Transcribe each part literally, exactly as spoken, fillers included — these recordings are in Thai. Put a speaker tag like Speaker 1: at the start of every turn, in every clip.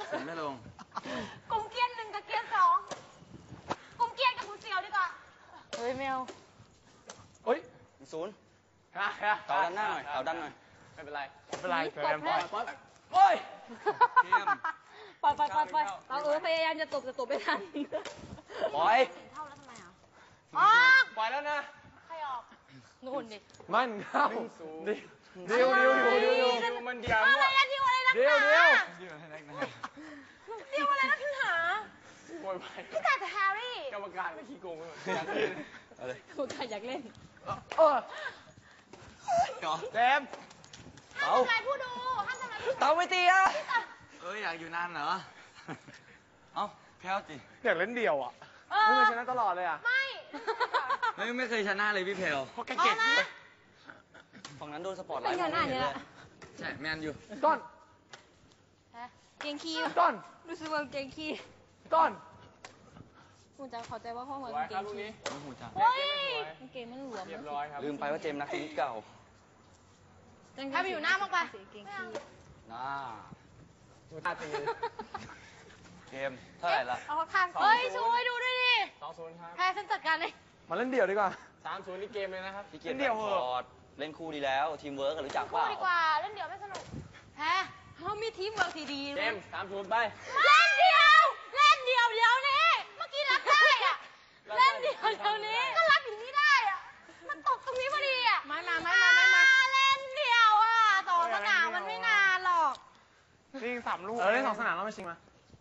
Speaker 1: ผมไม่ลง
Speaker 2: กุมเกียนหนึ่งกับเกียนสองกุมเกียนกับกุมเสียวดีกว่าเฮ้ยแมว
Speaker 3: เฮ้ย
Speaker 4: ศูนย์
Speaker 3: ฮะฮะ
Speaker 4: เต่าด้านหน้าหน่อยเต่าด้านหน่อย
Speaker 3: ไม่เป็นไรไม่เป็นไรเติม
Speaker 2: ปล่อย
Speaker 3: ปล่อยโอ้ย
Speaker 2: ปล่อยปล่อยปล่อยปล่อยเราเออพยายามจะตบแต่ตบไม่ทัน
Speaker 4: ปล่อย
Speaker 2: เท่าแล้วทำไมอ่ะออก
Speaker 3: ปล่อยแล้วนะ
Speaker 2: ใครออกนู่นดิ
Speaker 3: มันเข้าเดียวเดียวเดียวเดียวเดียวเดียวมันเดียว
Speaker 2: อะไรนะดิวอะไรนะ
Speaker 3: เดียวเดียว
Speaker 2: ดิวอะไรนะขึ้นหา
Speaker 3: โวยไป
Speaker 2: พี่แต่แฮร์รี่
Speaker 3: กรรมการไม่ขี้โกงเลยอยากเล่น
Speaker 4: อะไร
Speaker 2: กรรมการอยากเล่น
Speaker 3: เออแจม
Speaker 2: ห้ามทำลายผู้ดูห้ามทำลายผู้ดู
Speaker 4: เต่าไม่ตีอ่ะ
Speaker 1: เอ้ยอยากอยู่นานเหรอเอ้าแพ้วจิ
Speaker 3: อยากเล่นเดี่ยวอ่ะไม่เคยชนะตลอดเลยอ่ะ
Speaker 2: ไม่
Speaker 1: ไม่ไม่เคยชนะเลยพี่เพล
Speaker 3: เพราะแกเก่ง
Speaker 4: ฝั่งนั้นโดนสปอร์ตไลท์
Speaker 1: ใช่แมนอยู่
Speaker 3: ต้น
Speaker 2: เก่งขี้
Speaker 3: ต้น
Speaker 2: รู้สึกว่าเก่งขี้
Speaker 3: ต้น
Speaker 2: คุณจะเข้าใจว่าพ่อเหมือนเก่งขี้
Speaker 1: ไม่หูจัก
Speaker 2: เฮ้ยเก่งมันหลวม
Speaker 4: ลืมไปว่าเจมนักเทนนิสเก่า
Speaker 2: ถ้าไปอยู่หน้ามากไป
Speaker 4: น่า
Speaker 3: ดูท่าตี
Speaker 4: เกมเท่าไหร่ละ
Speaker 2: เอาข้างเฮ้ยช่วยดูด้วยดิ
Speaker 3: สองศูนย์ครับ
Speaker 2: แพ้ฉันจัดการเลย
Speaker 3: มาเล่นเดี่ยวดีกว่าสามศูนย์นี่เกมเลยนะครับ
Speaker 4: พี่เกมเดี่ยวเหรอเล่นคู่ดีแล้วทีมเวิร์กกันรู้จักเปล่า
Speaker 2: คู่ดีกว่าเล่นเดี่ยวไม่สนุกแพ้เขามีทีมเวิร์กที่ดี
Speaker 3: เกมสามศูนย์ไป
Speaker 2: เล่นเดี่ยวเล่นเดี่ยวเดี๋ยวนี้เมื่อกี้รับได้อะเล่นเดี่ยวเดี๋ยวนี้ก็รับอย่างนี้ได้อะมันตกตรงนี้พอดีอะไม่มาไม่มาไม่มาเล่นเดี่ยวอะต่อสนามมันไม่นานหรอก
Speaker 3: ยิงสามลูกเออเล่นสองสนามแล้วมาชิงมา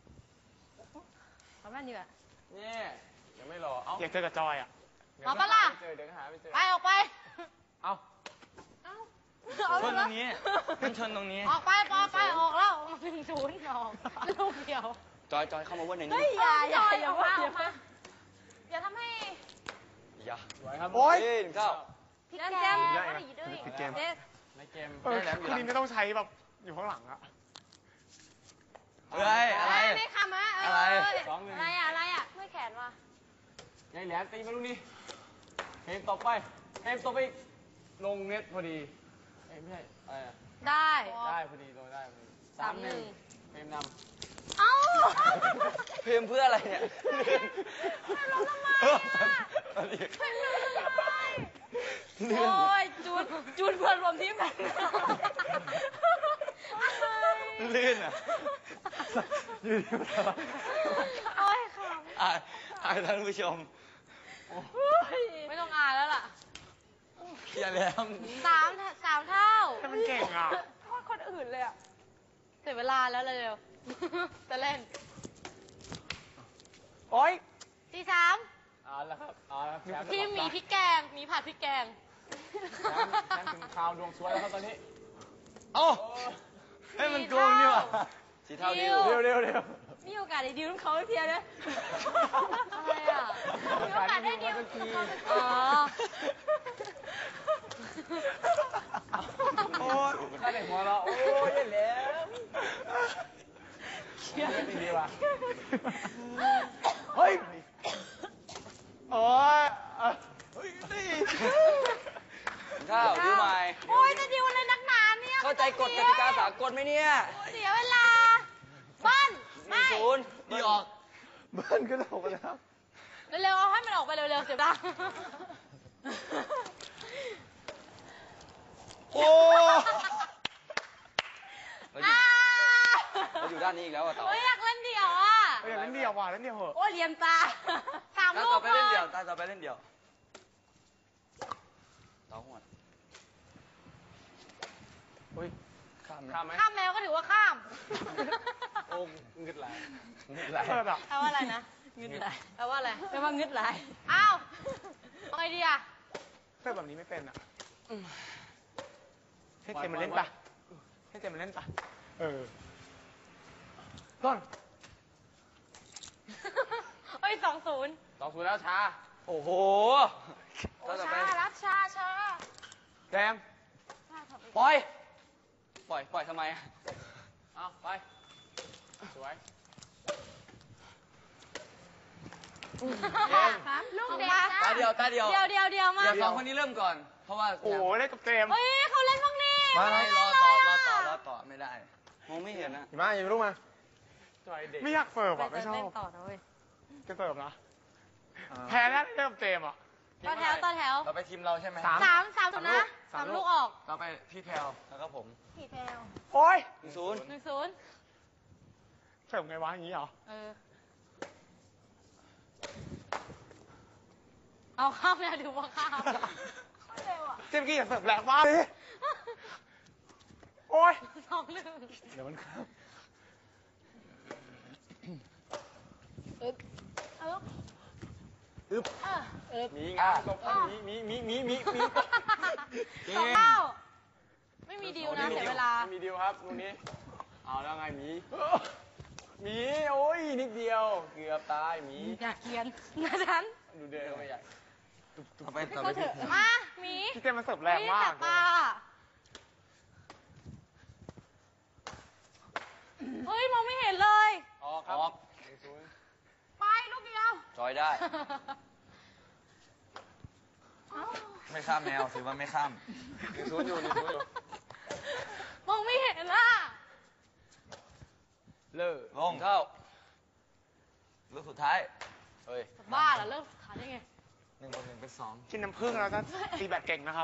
Speaker 2: ทำนั่นดีกว่า
Speaker 3: นี่ยังไม่รอเอาอยากเจอกับจอยอ่ะ
Speaker 2: เอาปะล่ะ
Speaker 3: เจอเดี๋ยวหาไม่เจอ
Speaker 2: ไปออกไป
Speaker 3: เอา
Speaker 2: เอา
Speaker 1: ชนตรงนี้มันชนตรงนี้
Speaker 2: ออกไปไปไปออกแล้วหนึ่งศูนย์ออกลูกเดียว
Speaker 4: จอยจอยเข้ามาว่าในนี้
Speaker 2: อย่าอย่าอย่าว่าออกมาอย่าทำให้
Speaker 4: อย่า
Speaker 3: ไหวครับ
Speaker 4: โอ้ยหนึ่งเก้า
Speaker 2: พี่แจม
Speaker 3: พี่เกมในเกมคืนนี้ไม่ต้องใช้แบบอยู่ข้างหลังอะ
Speaker 1: เฮ้ยอะไร
Speaker 2: ไม่คำอะ
Speaker 1: อะไร
Speaker 2: อะไรอะอะไรอะช่วยแขนว่ะ
Speaker 3: ยายแหลมตีมาลูกนี้เกมต่อไปเกมต่อไปลงเน็ตพอดีไม่ใช่อะไรอะ
Speaker 2: ได้
Speaker 3: ได้พอดีลงได้สามหนึ่งเกมนำ
Speaker 2: เอ้า
Speaker 4: เพมเพื่ออะไรเนี่ย
Speaker 2: ลงทำไมโอ้ยจูนจูนเพื่อนรวมทีมกัน
Speaker 4: ลื่นอ่ะ
Speaker 3: ยืนอยู่ตลอด
Speaker 2: โอ้ยค่ะ
Speaker 4: อ่าอ่าท่านผู้ชม
Speaker 2: ไม่ต้องอ่านแล้วล่ะ
Speaker 4: อย่าแล้ว
Speaker 2: สามสามเท่า
Speaker 3: แต่มันเก่งอ่ะ
Speaker 2: โทษคนอื่นเลยอ่ะเสียเวลาแล้วเร็วจะเล่น
Speaker 3: โอ้ย
Speaker 2: สี่สาม
Speaker 3: เอาละครับเอาละครับ
Speaker 2: ทีมหมีพริกแกงหมีผัดพริกแกง
Speaker 3: แชมป์ถึงข่าวดวงสวยแล้วครับตอนนี้
Speaker 4: โอ้ให้มันโกงนี่วะสีเท่าดิว
Speaker 3: เร็วเร็วเร็ว
Speaker 2: มีโอกาสได้ดิวเขาเพียนะอะไรอ่ะมีโอกาสได้ดิวอ๋อ
Speaker 3: โอ้ยถ้าเด็กหัวเราโอ้ยยันแล้วเชี่ยจริงดีว่ะเฮ้ยโอ้ยเฮ้ยนี่
Speaker 4: ข้าวดิวใหม่
Speaker 2: โอ้ยจะดิวอะไรนักหนาเนี่ย
Speaker 4: เข้าใจกฎกติกาสากลไหมเนี่ย
Speaker 2: เสียเวลาบ้าน
Speaker 4: ไม่ศูนย์ดีออก
Speaker 3: บ้านก็ออกไปแล้ว
Speaker 2: เร็วๆเอาให้มันออกไปเร็วๆเสียดาย
Speaker 4: โอ้เราอยู่ด้านนี้อีกแล้วอ่ะต่อ
Speaker 2: โอ้ยอยากเล่นเดี่ยวอ่ะ
Speaker 3: อยากเล่นเดี่ยวว่ะเล่นเดี่ยวเหอะ
Speaker 2: โอ้ยเรียนตาสามลูก
Speaker 4: ต่อไปเล่นเดี่ยวตาต่อไปเล่นเดี่ยวต่อหัว
Speaker 3: เฮ้ยข้ามไหม
Speaker 2: ข้ามแมวก็ถือว่าข้าม
Speaker 3: โอ้งึดไหลงึดไหล
Speaker 2: แปลว่าอะไรนะงึดไหลแปลว่าอะไรแปลว่างึดไหลอ้าวเอาไงดีอ่ะ
Speaker 3: เพื่อแบบนี้ไม่เป็นอ่ะให้เจมมันเล่นปะให้เจมมันเล่นปะเออต้น
Speaker 2: เฮ้ยสองศูนย์
Speaker 3: สองศูนย์แล้วช้า
Speaker 4: โอ้โห
Speaker 2: ช้ารับช้าช้า
Speaker 3: แจม
Speaker 4: ปล่อยปล่อยปล่อยทำไม
Speaker 3: เอาไปสวย
Speaker 2: ลูกเด็ก
Speaker 4: ตาเดียวตาเดียว
Speaker 2: เดียวเดียวเดียวมา
Speaker 4: เดี๋ยวสองคนนี้เริ่มก่อนเพราะว่า
Speaker 3: โอ้โหเล่นกับเจม
Speaker 2: เฮ้ยเขาเล่นบ้างนี่
Speaker 4: ไม่รอต่อรอต่อรอต่อไม่ได้มองไม่เห็นนะ
Speaker 3: มาอย่าไปรู้มาจอยเด็ก
Speaker 5: ไม่อยากเสิร์ฟอ่ะ
Speaker 2: ไป
Speaker 5: ไม่ชอ
Speaker 2: เล่น
Speaker 5: บ
Speaker 2: ต่อนะเว้ย
Speaker 5: จะเสิร์ฟนะแพ้แล้วเริ่มเจมอ่ะ
Speaker 2: ต่อแถวต่อแถว
Speaker 4: เราไปทีมเราใช่ไหม
Speaker 5: สาม
Speaker 2: สามสามสุดนะ
Speaker 5: สา
Speaker 2: สาม ม
Speaker 5: ลู
Speaker 2: ลู
Speaker 5: ก
Speaker 2: กออก
Speaker 1: ต่อไปพี่แพลว
Speaker 4: แล้วก็ผม
Speaker 2: สี่แถว
Speaker 5: โอ้ย
Speaker 4: หนึ่งศูนย์
Speaker 2: หนึ่งศูนย์
Speaker 5: เสิร์ฟไงวะอย่างนี้เหรอ
Speaker 2: เออ เอาข้ามแล้วดูว่าข้ามเร็วอ่ะ
Speaker 5: เจมส์กี้อย่าเสิร์ฟแรงมากเลยโอ้ย
Speaker 2: สองหนึ่ง
Speaker 5: เดี๋ยวมันข้าม
Speaker 2: อึ๊บอึ๊บ
Speaker 5: อึ๊บ
Speaker 2: เอออึ๊บ
Speaker 3: มีงานตบกันมีมีมีมีมีมี
Speaker 2: สองเก้าไม่มีดีลนะเสียเวลา
Speaker 3: ไม่มีดีลครับลูกนี้ เอาแล้วไงหมีหมีโอ้ยนิดเดียวเกือบตายหมี
Speaker 2: อยากเกียนนะฉัน
Speaker 3: ดูเดินเข้าไปใหญ่
Speaker 4: ต่อไป
Speaker 2: ให้
Speaker 4: ต่อ
Speaker 2: เขา
Speaker 4: ไป
Speaker 2: เถ
Speaker 4: พี่
Speaker 2: อะมาหมี
Speaker 5: พี่เจมส์มันเสิร์ฟแรงมาก
Speaker 2: ตาเฮ้ย มองไม่เห็นเลย
Speaker 3: ออกครับ
Speaker 4: ออก
Speaker 3: หนึ่งศูนย์
Speaker 2: ไปลูกเดียว
Speaker 4: จอยได้ ไม่ข้ามแนวถือว่าไม่ข้าม
Speaker 3: หนึ่งศูนย์อยู่หนึ่งศูนย์อยู่
Speaker 2: มองไม่เห็นล่ะ
Speaker 3: เลิก
Speaker 4: ลงเข้าลูกสุดท้าย
Speaker 3: เฮ้ย
Speaker 2: บ้าเหรอเลิกขาดได้ไง
Speaker 4: หนึ่งบวกหนึ่งเป็นสอง
Speaker 5: กินน้ำผึ้งแล้วก็ตีแบตเก่งนะครับ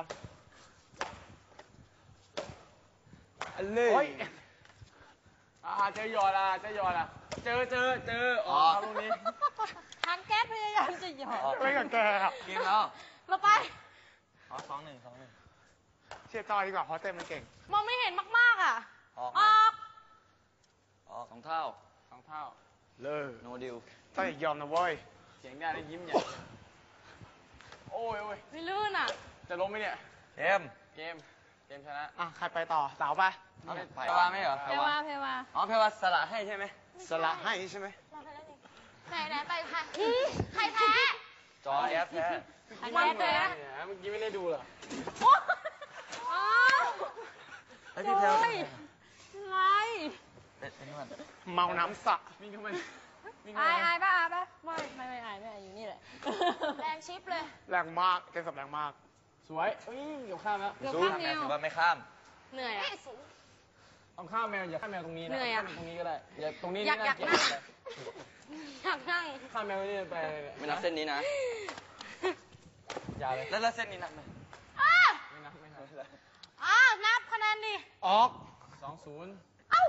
Speaker 3: อันเลย
Speaker 5: โอ้ย
Speaker 3: อ่าเจอหยอดอ่ะเจอหยอดอ่ะ เจอเจอเจอออกครับลูกนี้
Speaker 2: ทางแก๊สพยายามจะหยอด
Speaker 5: ไม่กับแกอะ
Speaker 4: เกมแล้ว
Speaker 2: เราไป
Speaker 4: อ๋อสองหนึ่งสองหนึ่ง
Speaker 5: เชียร์จอยดีกว่าเพราะเจมส์มันเก่ง
Speaker 2: มองไม่เห็นมากๆอ่ะ
Speaker 4: ออก
Speaker 2: ออก
Speaker 4: ออกสองเท่า
Speaker 3: สองเท่า
Speaker 5: เลิก
Speaker 4: โนดิว
Speaker 5: จอยอย่ายอมนะเว้ย
Speaker 3: เสียงได้แล้วยิ้มใหญ่โอ้ยโอ้ย
Speaker 2: ไม่ลื่นอ่ะ
Speaker 3: จะล้มไหมเนี่ย
Speaker 4: เกม
Speaker 3: เกม เกมชนะ
Speaker 5: อ่ะใครไปต่อสาวไป
Speaker 4: เอาไป
Speaker 1: แพรวาไม่เหรอ
Speaker 2: เพวาเพวา
Speaker 1: อ๋อแพรวาสละให้ใช่ไหม
Speaker 5: สละให้ใช่ไหม
Speaker 2: ไหนไหนไปค่ะใครแพ้
Speaker 4: จอยแอฟแพ้
Speaker 2: ใครแพ้แพ้
Speaker 3: เนี่ยเมื่อกี้ไม่ได้ดูเหรอ
Speaker 2: โอ้อ้าว
Speaker 4: ไอพี่แพลว
Speaker 2: โอ้ยอะไร
Speaker 4: เป็นเป็นนวด
Speaker 5: เมาน้ำสระ
Speaker 3: วิ่งเข้ามาวิ่ง
Speaker 2: อา
Speaker 3: เข้าย มา
Speaker 2: อายป่ะอายป่ะไม่ไม่ไม่อายไม่อายอยู่นี่แหละแรงชิปเลย
Speaker 5: แรงมากเจมส์เสิร์ฟแรงมาก
Speaker 3: สวยเอ้ยเดี๋ยวข้ามแล้ว
Speaker 2: เกือบ
Speaker 4: สู้
Speaker 2: ข้าม
Speaker 4: แม
Speaker 2: แน
Speaker 4: ว
Speaker 2: ว
Speaker 4: ถือว่าไม่ข้าม
Speaker 2: เหนื่อยอ่ะ
Speaker 3: ต้องข้ามแมวอย่าข้ามแมวตรงนี้นะ
Speaker 2: เหนื่อยอะ
Speaker 3: ข้ามตรงนี้ก็ได้ อย่าตรงนี้
Speaker 2: อยาก
Speaker 3: นี่
Speaker 2: อยาก
Speaker 3: เกลียด
Speaker 2: นั่ง
Speaker 3: ไป
Speaker 2: อยากนั่ง
Speaker 3: ข้ามแมวนี่ไป
Speaker 4: ไม่นับเส้นนี้นะ
Speaker 3: อย่าเลย
Speaker 4: แล้วแล้วเส้นนี้นับไหม
Speaker 2: อ้า
Speaker 3: ไม่นับไม่นับ
Speaker 2: อ้านับคะแนนดิ
Speaker 5: ออก
Speaker 3: สองศูนย์
Speaker 2: เอ้า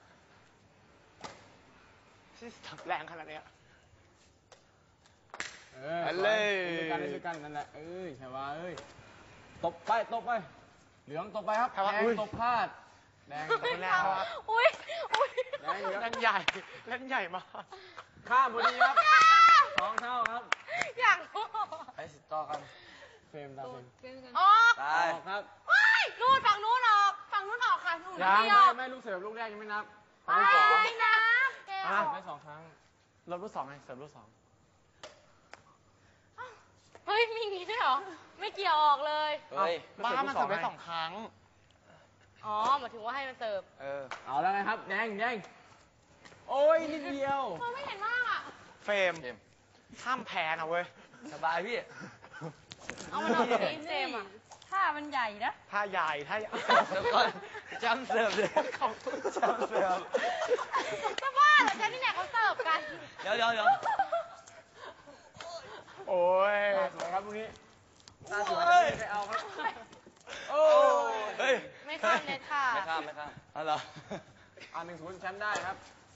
Speaker 5: ที่เสิร์ฟแรงขนาดเนี้ย
Speaker 3: เออ
Speaker 5: อันเลย
Speaker 3: สวยเล่นด้วยกันเล่นด้วยกันนั่นแหละ เอ้ยแค่ว่าเอ้ย ตบไปตบไป เหลืองตบไปครับ
Speaker 5: แค่ว่า
Speaker 3: แดง
Speaker 5: อุ้ย
Speaker 3: ตบพลาด แดงตบ
Speaker 2: ไม่
Speaker 3: แร
Speaker 2: ท
Speaker 3: งครับ
Speaker 2: ำอุ้ยอุ้ย
Speaker 3: แดงเหลือง
Speaker 5: เล่นใหญ่เล่นใหญ่มาก
Speaker 3: ข้ามพอดีครับสองเท่าครับ
Speaker 2: อยากรู้
Speaker 4: ไปสิต่อกัน
Speaker 3: เฟรมตามเฟรม
Speaker 2: ออก
Speaker 4: ตาย
Speaker 3: ออกครับ
Speaker 2: ว้ายนู่นฝั่งนู้นออก ฝั่งนู้นออกค่ะนู่น
Speaker 3: ยัง
Speaker 2: เดีย
Speaker 3: ไม่
Speaker 2: ว
Speaker 3: ไม่ลูกเสิร์ฟลูกแรกยังไม่นับ
Speaker 2: ไป
Speaker 3: ลูกสอง
Speaker 2: นะแก
Speaker 5: อ่ะ
Speaker 3: ได้สองครั้ง
Speaker 5: รถลูกสองไงเสิร์ฟลูกสอง
Speaker 2: เฮ้ย มีอย่างงี้ด้วยเหรอ ไม่เกี่ยวออกเลย
Speaker 4: เฮ้ย
Speaker 5: บ้ามันเสิร์ฟได้สองครั้ง
Speaker 2: อ๋อหมายถึงว่าให้มันเสิร์ฟ
Speaker 4: เออ
Speaker 3: เอาแล้วไงครับ แดงแดงโอ้ยนิดเดียว
Speaker 2: มองไม่เห็นมากอ่ะ
Speaker 5: เฟรม
Speaker 4: เกม
Speaker 5: ห้ามแพ้นะเว้ย
Speaker 4: สบายพี่
Speaker 2: เอามันออกจากนี้เจมส์อ่ะถ้ามันใหญ่นะ
Speaker 5: ถ้าใหญ่ถ้าใหญ่
Speaker 4: เดี๋ยวก่อนจำเสิร์ฟเลย
Speaker 5: ขอบคุณ
Speaker 4: จำเสิร์ฟ
Speaker 2: จะบ้าเหรอแกนี่เนี่ยเขาเสิร์ฟกัน
Speaker 4: เดี๋ยวเดี๋ยวเดี๋ยว
Speaker 5: โอ้ย
Speaker 3: สวยครับลูกนี้น่าสวย
Speaker 4: เฮ้ย
Speaker 3: ไม่เอาครับ
Speaker 4: โอ้เฮ้ย
Speaker 2: ไม่ข้ามเน็ตค่ะ
Speaker 4: ไม่ข้ามไม่ข้ามอ๋อเหรอ
Speaker 3: อ่าหนึ่งศูนย์แชมป์ได้ครับ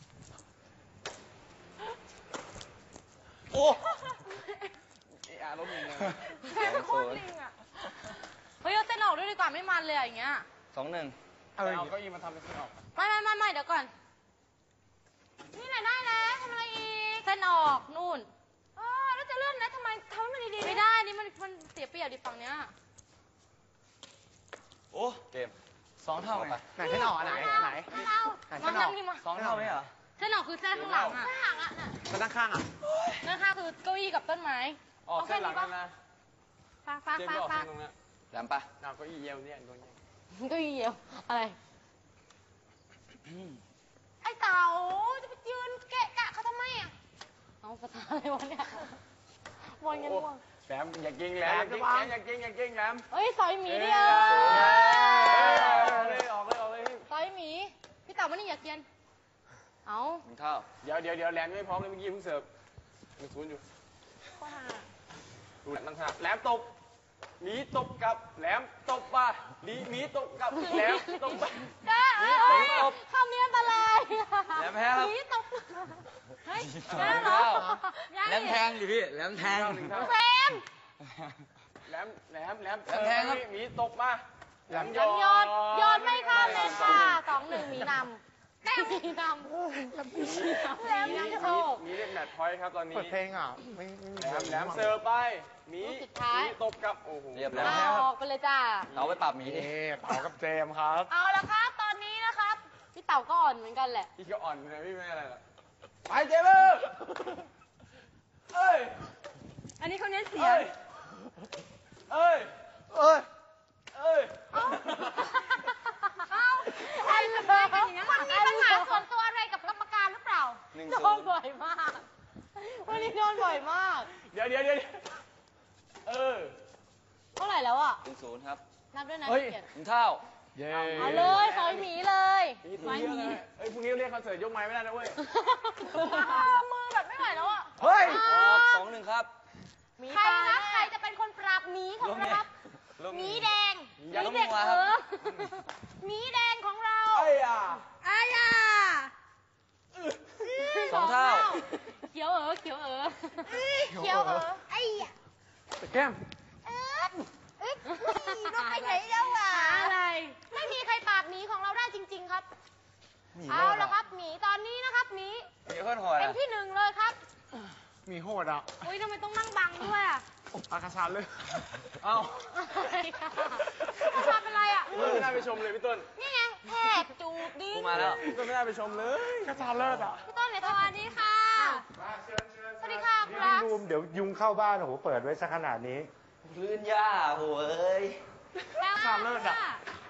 Speaker 4: โอ้
Speaker 3: เออาล้มอีกเลย
Speaker 2: แม่งโคตรลิงอ่ะ เฮ้ยเอาเส้นออกด้วยดีกว่าไม่มันเลยอะอย่างเงี้ย
Speaker 4: สองหนึ่ง
Speaker 5: เออ
Speaker 3: เอาเก้าอี้มาทำเป็นเส้นออก
Speaker 2: ไม่ไม่ไม่ไม่เดี๋ยวก่อน นี่ไหนได้แล้วทำอะไรอีก เส้นออกนู่น เออแล้วจะเลื่อนนะทำไมทำให้มันดีๆ ไม่ได้ นี่มันมันเสียเปรียบดิฝั่งเนี้ย
Speaker 4: โอ้เกมสองเท่าไง
Speaker 5: ไหนเส้นออกอันไหนอันไหน
Speaker 2: ไม่เอา
Speaker 5: ไหน
Speaker 2: มา
Speaker 5: เส้นออก
Speaker 2: ทำนี่มา
Speaker 4: สองเท่าไหมเหรอ
Speaker 2: เส้นออกคือเส้นข้างหลังอ่ะข้างหลังอ่ะน่ะ
Speaker 5: แล้วด้านข้างอ่ะ
Speaker 2: นั่นค่ะคือเก้าอี้กับต้นไม้
Speaker 3: ออกเส้นหลังนั่นนะ
Speaker 2: ฟากฟาก
Speaker 3: เจม
Speaker 2: ฟาก
Speaker 3: ส์ออก
Speaker 2: ฟา
Speaker 3: เส้
Speaker 2: ก
Speaker 3: นตรงนั้น
Speaker 4: แหลมปะ
Speaker 3: เอาเก้าอี้เยียวเนี่ยตรงนี้
Speaker 2: เก้าอี้เดียวอะไร ไอ้เต๋าจะไปยืนเกะกะเขาทำไมอ่ะ เอาภาษาอะไรวะเนี่ยบอลกันว่ะ
Speaker 3: แหลมอย่าเก่งแหลมอย่าเก่งอย่าเก่งอย่าเก่งแหลม
Speaker 2: เฮ้ยซอยหมีดิเอ
Speaker 3: เย้
Speaker 2: อ
Speaker 3: เลยออกเลยออกเลย
Speaker 2: ซอยหมี พี่เต๋ามานี่อย่าเกียน เอาเอา
Speaker 4: หนึ่งเท่า
Speaker 3: เดี๋ยวเดี๋ยวเดี๋ยวแหลมยังไม่พร้อมเลยเมื่อกี้เพิ่งเสิร์ฟหนึ่งศูนย์อยู่
Speaker 2: ข้อห้า
Speaker 3: ดูแหลมตั้งท่าแหลมตบหมีตบกลับแหลมตบมาหมีหมีตบกลับแหลมตบไป
Speaker 2: ก้าเอ้ยคำนี้อันตราย
Speaker 1: แหลมแพ้ครับ
Speaker 2: หนีตกเฮ้ย
Speaker 1: แหล
Speaker 2: ได้
Speaker 1: ม
Speaker 2: เหรอ
Speaker 1: แหลมแทงอยู่พี่แหลมแทง
Speaker 3: หนึ่งเท่า
Speaker 2: เฟรม
Speaker 3: แหลมแหลมแหลม
Speaker 1: แหลมแทงครับ
Speaker 3: หมีตบมาแหลมย
Speaker 2: ย
Speaker 3: อ
Speaker 2: อ
Speaker 3: ด
Speaker 2: ดยอดไม่ข้ามเลยค่ะสองหนึ่งมีนำแต้มมีนำแหลมยังโชค
Speaker 3: หมีเล่นแมตช์พอยต์ครับตอนนี้
Speaker 5: เปิดเพลงอ่ะไม่ไม่มี
Speaker 3: แหลมแหลมเสิร์ฟไปหมี
Speaker 2: ลูกสุดท้าย
Speaker 3: หมีตบกลับโอ้โห
Speaker 4: เรียบร้
Speaker 2: ลา
Speaker 4: อย
Speaker 2: ออกไปเลยจ้า
Speaker 4: เอาไปปรับหมีดิ
Speaker 5: นี่เต๋ากับเจมส์ครับ
Speaker 2: เอาละครับ ตอนนี้นะครับ พี่เต่าก็อ่อนเหมือนกันแหละ
Speaker 3: พี่ก็อ่อนเลยพี่ไม่อะไรหรอกไปเจเบอร์เอ้ย
Speaker 2: อันนี้เขาเน้นเสีย
Speaker 3: เอ้
Speaker 2: ง
Speaker 3: ยเอ้ย
Speaker 5: เอ้ย
Speaker 3: เอ้ย
Speaker 2: เอาเอาอะไรกันอย่างนั้นคุณมีปัญหาส่วนตัวอะไรกับกรรมการหรือเปล่า
Speaker 4: หนึ่ง
Speaker 2: โด
Speaker 4: ศู
Speaker 2: น
Speaker 4: นย์
Speaker 2: บ่อยมาก วันนี้โดนบ่อยมาก
Speaker 3: เดี๋ยวเดี๋ยวเดี๋ยวเออ
Speaker 2: เท่าไหร่แล้วอ่ะ
Speaker 4: หนึ่งศูนย์ครับ
Speaker 2: นับด้วยนะ
Speaker 5: เฮ้ย
Speaker 2: เกียรติ
Speaker 4: หนึ่งเท่า
Speaker 5: เย้
Speaker 2: เอาเลยขอให้หมีเลย
Speaker 3: นี่พรุ่งนี้เรียกอะไรเอ้ยพรุ่งนี้เรียกคอนเสิร์ตยกไม้ไม่ได้นะเว้ย
Speaker 2: มือแบบไม่ไหวแล้วอ่ะ
Speaker 5: เฮ้ย
Speaker 4: ออกสองหนึ่งครับ
Speaker 2: ใครครับใครจะเป็นคนปราบหมีของเราครับ
Speaker 4: ลง
Speaker 2: หมี
Speaker 4: นี่
Speaker 2: แดงห
Speaker 4: อย่า
Speaker 2: มี
Speaker 4: ลง
Speaker 2: เด็ก
Speaker 4: หัว
Speaker 2: เอ
Speaker 4: ครับ
Speaker 2: อหมีแดงของเรา
Speaker 3: ไอ้ย่า
Speaker 2: อายา
Speaker 4: สองเท่า
Speaker 2: เขียวเออเขียวเออเขียวเออไอ้ยะ
Speaker 5: แก้ม
Speaker 2: เอ๊ะเอ๊ะเราไปไหนแล้วอ่ะอะไร ไม่มีใครปราบหมีของเราได้จริง ๆ ครับ
Speaker 4: หมี
Speaker 2: เอา
Speaker 4: โลด
Speaker 2: ละ
Speaker 4: อะ
Speaker 2: ครับหมีตอนนี้นะครับหมี
Speaker 4: หมีโคตรโหด
Speaker 2: เป็น
Speaker 4: อะ
Speaker 2: ที่หนึ่งเลยครับ
Speaker 5: มีโหดอ่ะ
Speaker 2: อุ้ยทำไมต้องนั่งบังด้วยอ่ะ
Speaker 5: อากาศเลย
Speaker 3: เอ้า
Speaker 2: อะไรค่ะทำเป็นไรอ่ะ
Speaker 3: พี่ต้นไม่น่าไปชมเลยพี่ต้น
Speaker 2: นี่ไงแทบจูบดิ
Speaker 4: กูมาแล้ว
Speaker 3: พี่ต้นไม่น่าไปชมเลย
Speaker 5: กระชาเลิศอ่ะ
Speaker 2: พี่ต้นเนี่ยสวัสดีค่ะ สวัสดีค่ะค
Speaker 6: พี่
Speaker 2: รับ
Speaker 6: บูมเดี๋ยวยุงเข้าบ้านโอ้โหเปิดไว้ซะขนาดนี้
Speaker 4: พื้นหญ้าโหเอ้ย
Speaker 2: แล้ว
Speaker 5: สามเลิศอะ
Speaker 2: ค่ะ